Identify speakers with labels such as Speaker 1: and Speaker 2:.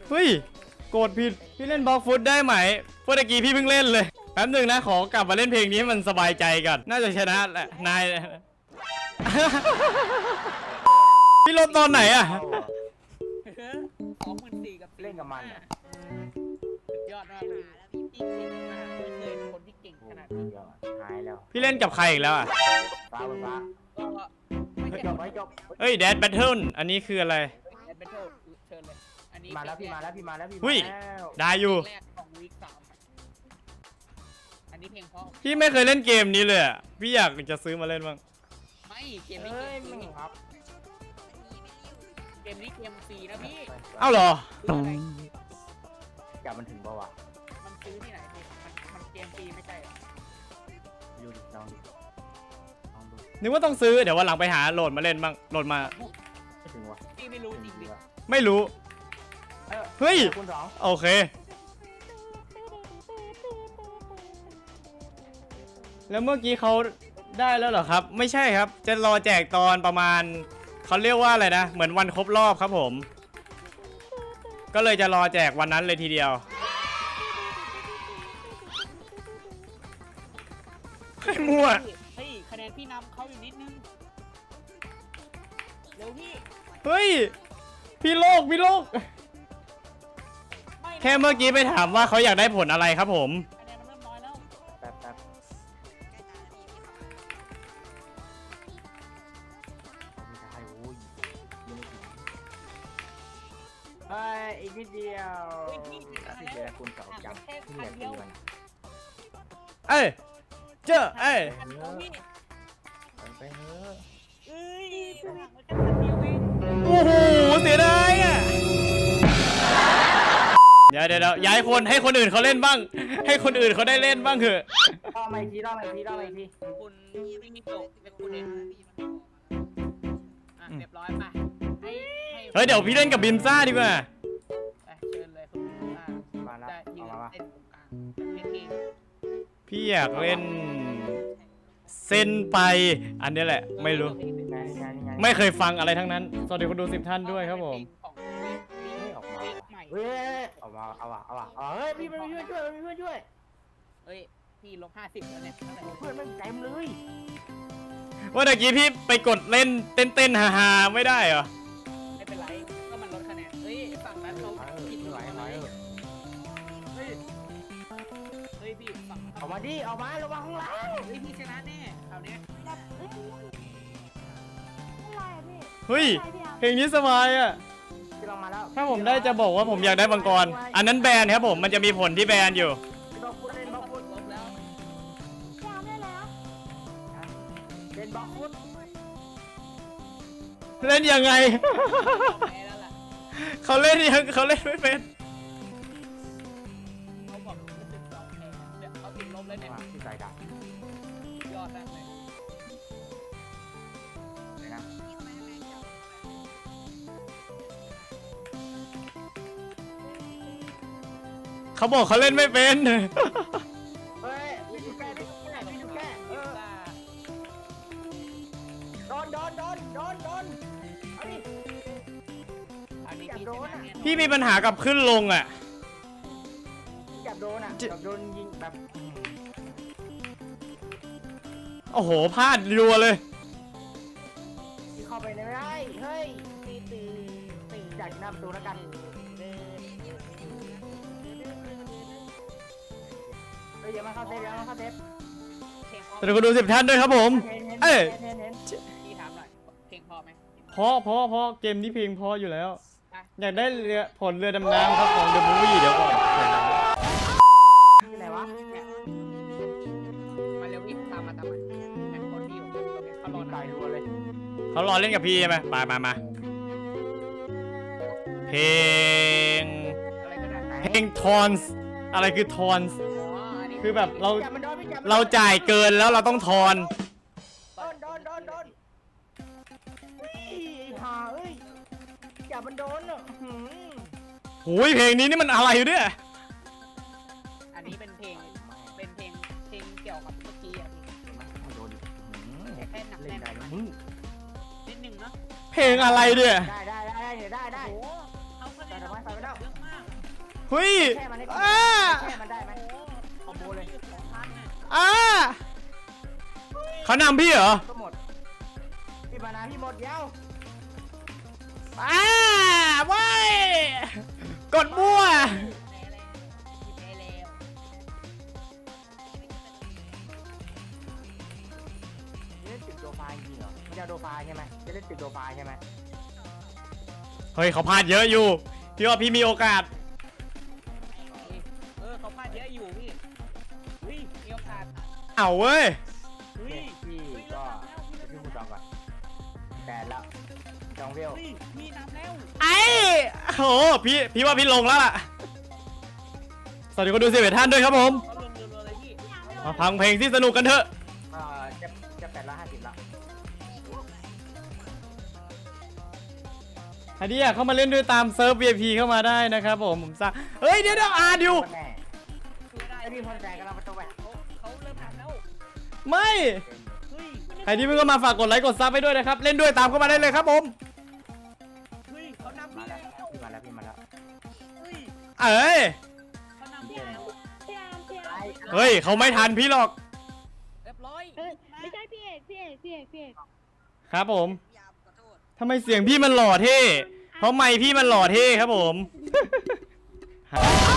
Speaker 1: เฮ้ยโกรธผิดพี่เล่นบล็อกฟุตได้ไหมเมื่อกี้พี่เพิ่งเล่นเลยแป๊บหนึ่งนะขอกลับมาเล่นเพลงนี้ให้มันสบายใจก่อนน่าจะชนะแหละนาย พี่ลบตอนไหนอะ
Speaker 2: 24,000กับเล่นกับมันสุดยอดมากเลยพี่เก่งมากไม่เคยคนที่เก่งขนาดนี้หายแล้ว
Speaker 1: พี่เล่นกับใครอีกแล้วอะ
Speaker 2: ฟ้าก็ไม่จบไม่จบ
Speaker 1: เฮ้ยแดดแบทเทิลอันนี้คืออะไร
Speaker 2: แอดเบนเทิลเชิญเลยอันนี้
Speaker 3: มาแล้วพี่มาแล้วพี่มาแล้วพี่
Speaker 1: หุ้ย
Speaker 3: มาแล้ว
Speaker 1: ได้อยู่
Speaker 2: แรกของวีค3อันนี้เพลงเพราะ
Speaker 1: พี่ไม่เคยเล่นเกมนี้เลยอะพี่อยากจะซื้อมาเล่นบ้าง
Speaker 2: ไม่เกมนี้
Speaker 3: เอ้ย
Speaker 2: เก
Speaker 3: มึ
Speaker 2: ม
Speaker 3: ง
Speaker 2: นี้
Speaker 3: ครับ
Speaker 2: เกมนี้เกมฟรีนะพี่
Speaker 1: เอ้าเหรอ
Speaker 3: จับมันถึงป่าวะ
Speaker 2: มันซื้อที่ไหนพี่มันเกมฟรีไม่ใช่เหรอ
Speaker 3: ดูดิลองดูลองดู
Speaker 1: นึกว่าต้องซื้อเดี๋ยววันหลังไปหาโหลดมาเล่นบ้างโหลดมา
Speaker 3: ไม่ถึงวะ
Speaker 2: พี่ไม่รู้จริงดิ
Speaker 1: ไม่รู้ เฮ้ย
Speaker 3: คุณสอง
Speaker 1: โอเคแล้วเมื่อกี้เขาได้แล้วเหรอครับไม่ใช่ครับจะรอแจกตอนประมาณเขาเรียกว่าอะไรนะเหมือนวันครบรอบครับผมก็เลยจะรอแจกวันนั้นเลยทีเดียวให้มั่ว
Speaker 2: เฮ้ยคะแนนพี่นำเขาอยู่นิดนึงเร็วพี่
Speaker 1: เฮ้ยพี่โลก
Speaker 2: ไม่นะ
Speaker 1: แค่เมื่อกี้ไปถามว่าเขาอยากได้ผลอะไรครับผม
Speaker 2: คะแนนมันเริ่มน้อยแล้ว
Speaker 3: แป๊บแป๊บไม่ได้โอ้ยยังไม่ถึงเฮ้ยอีกนิดเดียว
Speaker 2: เฮ้ยพี่ถึง
Speaker 3: ที่
Speaker 2: แล้
Speaker 3: เดียว
Speaker 2: ว
Speaker 3: คุณสองจัง
Speaker 2: แค่
Speaker 3: ที่
Speaker 2: พั
Speaker 3: เหลื
Speaker 2: น
Speaker 3: อ
Speaker 2: เดียว
Speaker 3: ตีมัน
Speaker 1: เอ้ยเจ้าเอ้ย
Speaker 2: พันเดียวพี่
Speaker 3: ไปเถอะ
Speaker 2: เอ้ยห่างมันแค่พันเดียวเอง
Speaker 1: โอ้โหเสียดายอ่ะเดี๋ยวย้ายคนให้คนอื่นเขาเล่นบ้าง ให้คนอื่นเขาได้เล่นบ้างเถอะ
Speaker 3: รอบมาอีกทีรอบมาอีกทีรอบมาอีกที
Speaker 2: คุณไม่มีโตเป็นคุณเองอ่ะเรียบร้อยไปให้
Speaker 1: เฮ้ยเดี๋ยวพี่เล่นกับบิมซ่าดีกว่า
Speaker 2: ไปเชิญเลยคุณ
Speaker 3: มาแล้ว
Speaker 2: จะยื
Speaker 3: เอา
Speaker 2: น
Speaker 3: มา
Speaker 2: เต้นตรงกลางเป็นเพลง
Speaker 1: พี่อยากเล่นเส้นไปอันนี้แหละไม่รู้
Speaker 3: นี่ไงนี่ไงนี่ไง
Speaker 1: ไม่เคยฟังอะไรทั้งนั้นสวัสดีคนดู10 ท่านด้วยครับผม
Speaker 3: ไม่ออกมา
Speaker 2: เพลงใหม่
Speaker 3: เฮ้ยออกมาเอาว่ะเอาว่ะเอาเฮ้ยพี่มันมีเพื่อนช่วยมันมีเพื่อนช่วย
Speaker 2: เฮ้ยพี่ลบ50แล้วเนี่ยเท่าไหร่
Speaker 3: เพื่อนมันเต็มเลย
Speaker 1: ว่าตะกี้พี่ไปกดเล่นเต้นฮาๆไม่ได้เหรอ
Speaker 2: ไม่เป็นไรก็มันลดคะแนนเฮ้ยฝั่งนั้นเขาผิด
Speaker 3: ไม่ไหวไม่ไหว
Speaker 2: เฮ้ยเฮ้ยพี่ฝั่ง
Speaker 3: ออกมาดิออกมาระวังข้างหลัง
Speaker 2: เฮ้ยพี่ชนะแน่คราวเนี้ย
Speaker 1: เฮ้ยเพลงนี้สบายอ่ะ
Speaker 3: ที่เรามาแล้ว
Speaker 1: ถ้าผมได้จะบอกว่าผมอยากได้มังกรอันนั้นแบนครับผมมันจะมีผลที่แบนอยู่
Speaker 3: บล็อกฟุตเล่นบล็อกฟุต
Speaker 2: ลบแล้ว
Speaker 3: เล่นบล็อกฟุต
Speaker 1: เล่นยังไง
Speaker 2: แพ้แล้วล่ะ
Speaker 1: เขาเล่นไม่เป็น
Speaker 2: เขาบอกรู้สึกสองแพ้เดี๋ยวเขาติดลบแล้วเนี่ย
Speaker 3: ที่ใส่ดาบ
Speaker 2: ยอดมากเลย
Speaker 3: เลยนะ
Speaker 1: เขาบอกเขาเล่นไม่เป็น
Speaker 3: เฮ้ยพี่ดูแก่พี่ดูแก่พี่ดูแก่โดนเอาดิ
Speaker 2: อันนี้พี่ชนะเนี่ย
Speaker 1: พี่มีปัญหากับขึ้นลงอ่ะ
Speaker 3: จับโดนอ่ะจับโดนยิงแบบ
Speaker 1: โอ้โหพลาดรัวเลย
Speaker 3: ที่เข้าไปไม่ได้เฮ้ยตีจากหน้าประตูแล้วกันเฮ้ยอย่ามาเข้าเซฟอย่ามาเข้าเซฟ
Speaker 2: เพลงพอ
Speaker 1: สวัสดีคนดู10 ท่านด้วยครับผม เอ้ย
Speaker 3: เห็น
Speaker 2: พี่ถามหน่อยเพลงพอไหม
Speaker 1: เพราะเกมนี้เพลงเพราะอยู่แล้ว อยากได้ผลเรือดำน้ำครับของเดอะมูฟวี่เดี๋ยวก่อน
Speaker 3: ที่ไหนวะ
Speaker 2: เนี่ยมาเร็วพี่ตามมาแข่งคนที่อยู่ตรงนี้เขารอ
Speaker 3: ตายรัวเลย
Speaker 1: เขารอเล่นกับพี่ใช่ไหมมาเพลง
Speaker 2: อะไรก็ได้
Speaker 1: เพลงทอนส์อะไรคือทอนส์
Speaker 2: อ๋ออันนี้
Speaker 1: คือแบบเรา
Speaker 3: จับมันโดนพี่จับ
Speaker 1: เราจ่ายเกินแล้วเราต้องทอน
Speaker 3: โดนเฮ้ยหาเอ้ยจับมันโดนอ่ะ
Speaker 1: หูยเพลงนี้นี่มันอะไรอยู่เนี่ย
Speaker 2: อันนี้เป็นเพลงเกี่ยวกับเมื่อกี้อ่ะพี่
Speaker 3: ไม่โดน
Speaker 2: แต่แค่หนัก
Speaker 3: เล่
Speaker 2: แน่
Speaker 3: น
Speaker 2: น
Speaker 3: ได้
Speaker 2: ไป
Speaker 3: มึง
Speaker 2: นิดนึงเนาะ
Speaker 1: เพลงอะไรเนี่ย
Speaker 3: ได้
Speaker 2: โอ้โหเขาคะแนนเยอะมาก
Speaker 1: เฮ้ย
Speaker 3: แค่มันได้
Speaker 1: อ่า
Speaker 3: แค่มันได้ไหมคอมโบเลย
Speaker 1: อ่าเขานำพี่เหรอ
Speaker 3: ก็หมดพี่มานาพี่หมดเย้า
Speaker 1: อ่าเว้ยกดมั่ว
Speaker 3: เล่นตึกโดฟาจริงเหรอไม่ใช่โดฟาใช่ไหมจะเล่นตึกโดฟาใช่ไหม
Speaker 1: เฮ้ยเขาพลาดเยอะอยู่พี่ว่าพี่มีโอกาส
Speaker 2: เขาพลาดเยอะอยู่พี่เฮ้ยมีโอกาส
Speaker 1: เอาเว้ย
Speaker 2: เฮ้ย
Speaker 3: พี่ก็พี่พูดจองก่อนแต่ละจองเวล
Speaker 2: เฮ้ยพี่นำแล้ว
Speaker 1: ไอ้โหพี่ว่าพี่ลงแล้วล่ะสวัสดีคนดู11ท่านด้วยครับผม
Speaker 2: เขาลงรัวๆเลยพี่
Speaker 1: มาฟังเพลงที่สนุกกันเถอะ
Speaker 3: จะ850ละ
Speaker 1: ใครที่อยากเข้ามาเล่นด้วยตามเซิร์ฟ VIP เข้ามาได้นะครับผมสั่งเฮ้ยเดี๋ยวดิว
Speaker 3: แน่
Speaker 2: ไม่ได้
Speaker 3: ไอพี่พรใจกันเราไปตัวแหวน
Speaker 2: เขาเริ่มทำแล้ว
Speaker 1: ไม่
Speaker 2: เฮ้ย
Speaker 1: ใครที่เพิ่งเข้ามาฝากกดไลค์กดซับไปด้วยนะครับเล่นด้วยตามเข้ามาได้เลยครับผม
Speaker 2: เฮ้ยเขานำ
Speaker 3: มา
Speaker 2: พี่
Speaker 3: แล้
Speaker 2: แล้ว ว
Speaker 3: พี่มาแล้ว
Speaker 2: เฮ้ย
Speaker 1: เอ้ย
Speaker 2: เขานำพี่แล้ว
Speaker 1: เฮ้ยเขาไม่ทันพี่หรอก
Speaker 2: เรียบร้อย
Speaker 4: ไม่ใช่พี่เอกพี่เอกพี่เอกพี่เอก
Speaker 1: ครับผมทำไมเสียงพี่มันหล่อเท่เพราะไมค์พี่มันหล่อเท่ครับผม